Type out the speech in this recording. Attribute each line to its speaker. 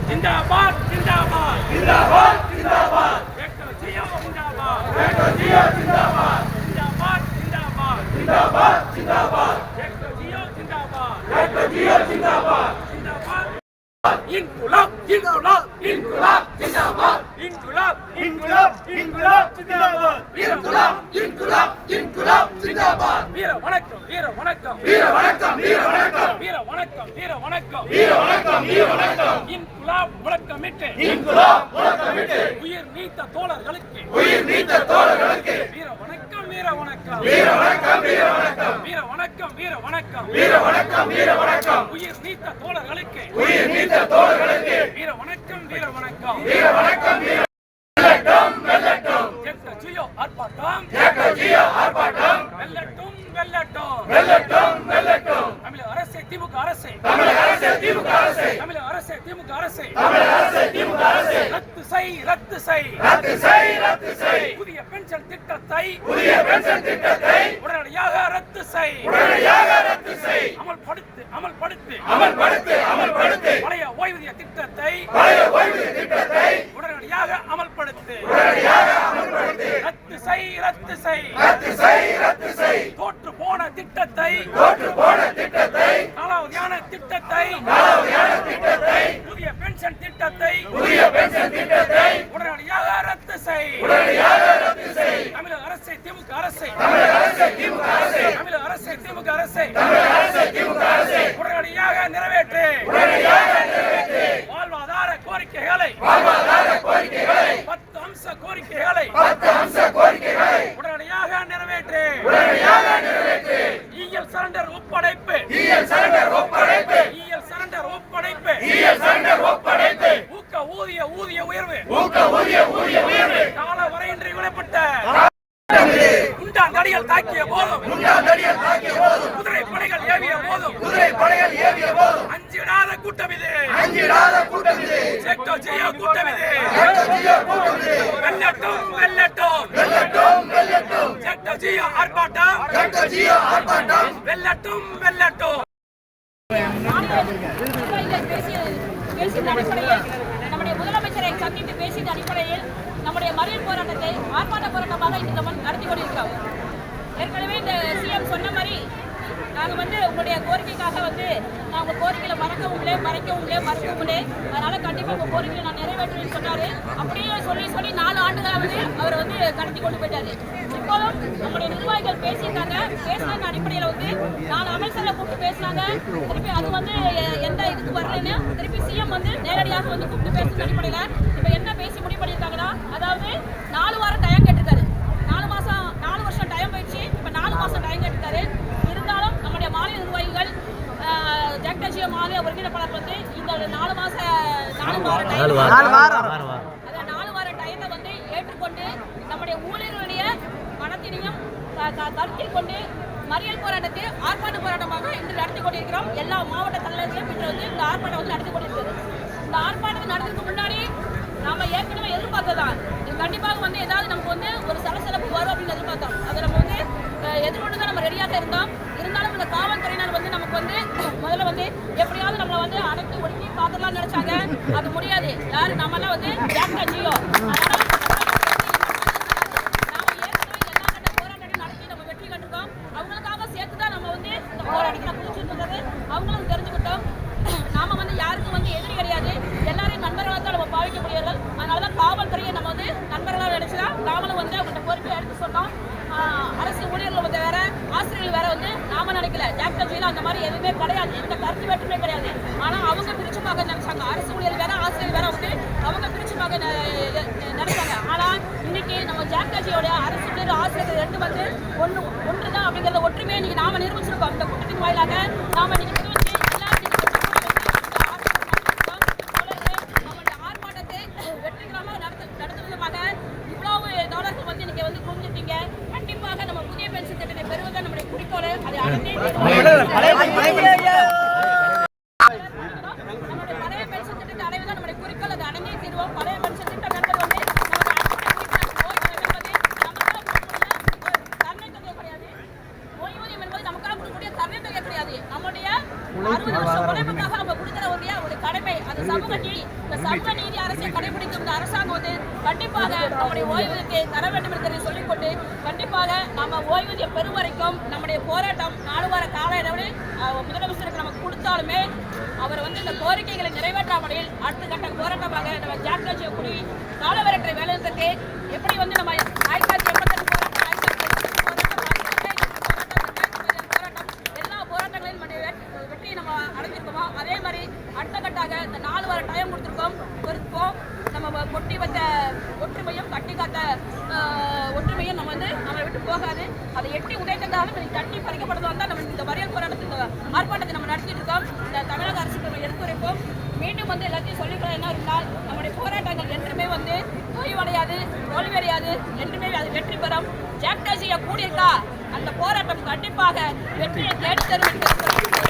Speaker 1: जिंदाबाद जिंदाबाद जिंदाबाद जिंदाबाद डॉक्टर जियो जिंदाबाद डॉक्टर जियो जिंदाबाद जिंदाबाद जिंदाबाद जिंदाबाद जिंदाबाद डॉक्टर जियो जिंदाबाद डॉक्टर जियो जिंदाबाद जिंदाबाद इनकुलाब इनकुलाब इनकुलाब जिंदाबाद इनकुलाब इनकुलाब इनकुलाब जिंदाबाद इनकुलाब इनकुलाब इनकुलाब जिंदाबाद வீர வணக்கம் வீர வணக்கம் வீர வணக்கம் வீர வணக்கம் வீர வணக்கம் வீர வணக்கம் வீர வணக்கம் வீர வணக்கம் இன்குலாப் முழக்கமிட்டு இன்குலாப் முழக்கமிட்டு உயிர் நீத்த தோழர்களுக்கு வீர வணக்கம் வீர வணக்கம் வீர வணக்கம் வீர வணக்கம் வீர வணக்கம் வீர வணக்கம் வீர வணக்கம் வீர வணக்கம் உயிர் நீத்த தோழர்களுக்கு வீர வணக்கம் வீர வணக்கம் வீர வணக்கம் வீர வெல்லட்டும் வெல்லட்டும் டாக்டர் ஜியோ ஆர்ப்பாட்டம் டாக்டர் ஜியோ ஆர்ப்பாட்டம் வெல்லட்டும் வெல்லட்டும் வெல்லட்டும் வெல்லட்டும் தமிழக அரசு திமுக அரசு தமிழக அரசு திமுக அரசு தமிழக அரசு திமுக அரசு தமிழக அரசு திமுக அரசு ரத்து செய் ரத்து செய் ரத்து செய் ரத்து செய் புதிய பென்ஷன் திட்டத்தை உடனடியாக ரத்து செய் உடனடியாக ரத்து செய் அமல்படுத்து அமல்படுத்து அமல்படுத்து அமல்படுத்து பழைய ஓய்வூதிய திட்டத்தை உடனடியாக அமல்படுத்து உடனடியாக அமல்படுத்து ரத்து செய் ரத்து செய் ரத்து செய் ரத்து செய் தோற்று போன திட்டத்தை காலாவதியான திட்டத்தை புதிய பென்ஷன் திட்டத்தை உடனடியாக ரத்து செய் உடனடியாக ரத்து செய் தமிழக அரசு திமுக அரசு தமிழக அரசு திமுக அரசு தமிழக அரசு திமுக அரசு தமிழக அரசு திமுக அரசு உடனடியாக நிறைவேற்று உடனடியாக நிறைவேற்று வாழ்வாதார கோரிக்கைகளை 10 அம்ச கோரிக்கைகளை உடனடியாக நிறைவேற்று உடனடியாக நிறைவேற்று ஈஎல் சரண்டர் ஒப்படைப்பு ஈஎல் சரண்டர் ஒப்படைப்பு ஈஎல் சரண்டர் ஒப்படைப்பு ஈஎல் சரண்டர் ஒப்படைப்பு ஊக்க ஊதிய உயர்வு கால வரையின்றி விடப்பட்ட குண்டாந்தடியில் தாக்கிய போதும் குதிரை படைகள் ஏவிய போதும் அஞ்சிடாத கூட்டம் இது டாக்டர் ஜியோ கூட்டம் இது வெல்லட்டும் வெல்லட்டும் டாக்டர் ஜியோ ஆர்ப்பாட்டம் வெல்லட்டும் வெல்லட்டும் நம்முடைய முதலமைச்சரை சந்தித்து பேசிய அடிப்படையில் நம்முடைய மறியல் போராட்டத்தை ஆர்ப்பாட்ட போராட்டமாக இந்த நடத்தி கொண்டிருக்கிறோம். ஏற்கனவே இந்த சிஎம் சொன்ன மாதிரி நாங்கள் உங்களுடைய கோரிக்கைக்காக நாங்கள் கோரிக்கையில மறைக்கவும் இல்லை அதனால கண்டிப்பாக உங்கள் கோரிக்கையை நான் நிறைவேற்றுவேன்னு சொன்னாரு. அப்படியே சொல்லி 4 ஆண்டுகளாக அவர் கடத்தி கொண்டு போயிட்டாரு. இப்போதும் நம்முடைய நிர்வாகிகள் பேசியிருக்காங்க. பேசின அடிப்படையில் 4 அமைச்சர்களை கூப்பிட்டு பேசினாங்க. திருப்பி அது எந்த இதுக்கு வரலன்னு திருப்பி சிஎம் நேரடியாக கூப்பிட்டு பேசுற அடிப்படையில் இப்போ என்ன பேசி முடிவு பண்ணியிருக்காங்கன்னா, அதாவது 4 வாரம் டைம் கேட்டிருக்காரு. 4 வருஷம் டைம் போயிடுச்சு. இப்போ 4 மாதம் டைம் கேட்டிருக்காரு. இருந்தாலும் நம்முடைய மாநில நிர்வாகிகள் டாக்டர் ஜியோ மாநில ஒருங்கிணைப்பாளர் இந்த 4 வார டயத்தை ஏற்றுக்கொண்டு நம்முடைய ஊழியர்களுடைய மனத்தினையும் கருத்தில் கொண்டு மறியல் போராட்டத்தை ஆர்ப்பாட்ட போராட்டமாக இன்று நடத்தி கொண்டிருக்கிறோம். எல்லா மாவட்ட தலைவர்களும் இன்று இந்த ஆர்ப்பாட்டம் நடத்தி கொண்டிருக்கிறது. இந்த ஆர்ப்பாட்டத்தை நடத்துறதுக்கு முன்னாடி நாம ஏற்கனவே எதிர்பார்த்ததான் இது கண்டிப்பாக ஏதாவது நமக்கு ஒரு சலசலப்பு வரும் அப்படின்னு எதிர்பார்த்தோம். அதை நம்ம எதிர்கொண்டு தான் நம்ம ரெடியாக இருந்தோம். இருந்தாலும் இந்த காவல்துறையினர் நமக்கு முதல்ல எப்படியாவது நம்மளை அடக்கி ஒடுக்கி பார்த்துடலாம்னு நினைச்சாங்க. அது முடியாது. யாரு நம்மளாம் டாக்டர் ஜியோ அவங்களும் தெரிஞ்சுக்கிட்டோம். நாம யாருக்கும் எதிரி கிடையாது. எல்லாரையும் நண்பர்களாக தான் நம்ம பாவிக்க முடியார்கள். அதனாலதான் காவல்துறையை நம்ம நண்பர்களாக நினைச்சுதான் நாமளும் அவங்கள்ட்ட கோரிக்கை எடுத்து சொன்னோம். அரசு ஊழியர்கள் வேற, ஆசிரியர்கள் வேற நாம நினைக்கல. டாக்டர் ஜியோ அந்த மாதிரி எதுவுமே கிடையாது. எந்த கருத்து வேற்றுமே கிடையாது. ஆனா அவங்க பிரிச்சு பார்க்க நினைச்சாங்க. அரசு ஊழியர் வேற, ஆசிரியர் வேற அவங்க பிரிச்சு பார்க்க நினைச்சாங்க. ஆனா இன்னைக்கு நம்ம டாக்டர் ஜியோட அரசு ஊழியர், ஆசிரியர் 2 ஒன்றுதான் அப்படிங்கறத ஒற்றுமையை இன்னைக்கு நாம நிரூபிச்சிருக்கோம். இந்த கூட்டத்தின் வாயிலாக நாம இன்னைக்கு ஆர்ப்பாட்டத்தை வெற்றிகரமாக நடத்துவதற்காக இவ்வளவு டாலர்கள் இன்னைக்கு புரிஞ்சுட்டீங்க. கண்டிப்பாக நம்ம புதிய பென்ஷன் திட்டத்தை பெறுவதுதான் நம்முடைய குறிக்கோள். அதை அடைந்தே நம்முடைய பழைய பென்ஷன் திட்டத்தை அடைவதுதான் நம்முடைய குறிக்கோள். அதை அடைந்தே தீர்வோம். பழைய பென்ஷன் திட்டம் என்பது தரணை தொகை கிடையாது. ஓய்வூதியம் என்பது நமக்காக கொடுக்கக்கூடிய தரணை தொகை கிடையாது. நம்முடைய
Speaker 2: அந்த சமூக நீதி அரசை கடைபிடிக்கும் இந்த அரசாங்கம் வந்து கண்டிப்பாக நம்முடைய ஓய்வூதியத்தை தர வேண்டும் என்பதை சொல்லிக்கொண்டு கண்டிப்பாக நம்ம ஓய்வூதியம் பெறும் வரைக்கும் நம்முடைய போராட்டம் 4 வார கால அளவில் முதலமைச்சருக்கு நமக்கு கொடுத்தாலுமே அவர் வந்து இந்த கோரிக்கைகளை நிறைவேற்றாமல் அடுத்த கட்ட போராட்டமாக நம்ம ஜாக்டோ ஜியோ குடி காலவரற்றை வேலைநிறுத்தத்தை எப்படி வந்து நம்ம 1982 வெற்றி நம்ம அடைஞ்சிருக்கோமோ அதே மாதிரி அடுத்த கட்டாக இந்த 4 வார டைம் கொடுத்துருக்கோம். நம்ம கொட்டி வந்த ஒற்றுமையும் கட்டி காத்த ஒற்றுமையும் நம்ம விட்டு போகாது. அதை எட்டி உதைத்தாலும் தட்டி பறிக்கப்படுறதா இருந்தால் நம்ம இந்த மறியல் போராட்டத்தை ஆர்ப்பாட்டத்தை நம்ம நடத்திட்டு இருக்கோம். இந்த தமிழக அரசுக்கு நம்ம எடுத்துரைப்போம். மீண்டும் எல்லாத்தையும் சொல்லிக்கலாம் என்ன இருந்தால் நம்முடைய போராட்டங்கள் என்றுமே தொய்வடையாது, தோல்வியடையாது, என்றுமே அது வெற்றி பெறும். ஜாக்டோ ஜியோ கூடியிருக்கா அந்த போராட்டம் கண்டிப்பாக வெற்றியை தேடி தரும் என்பதை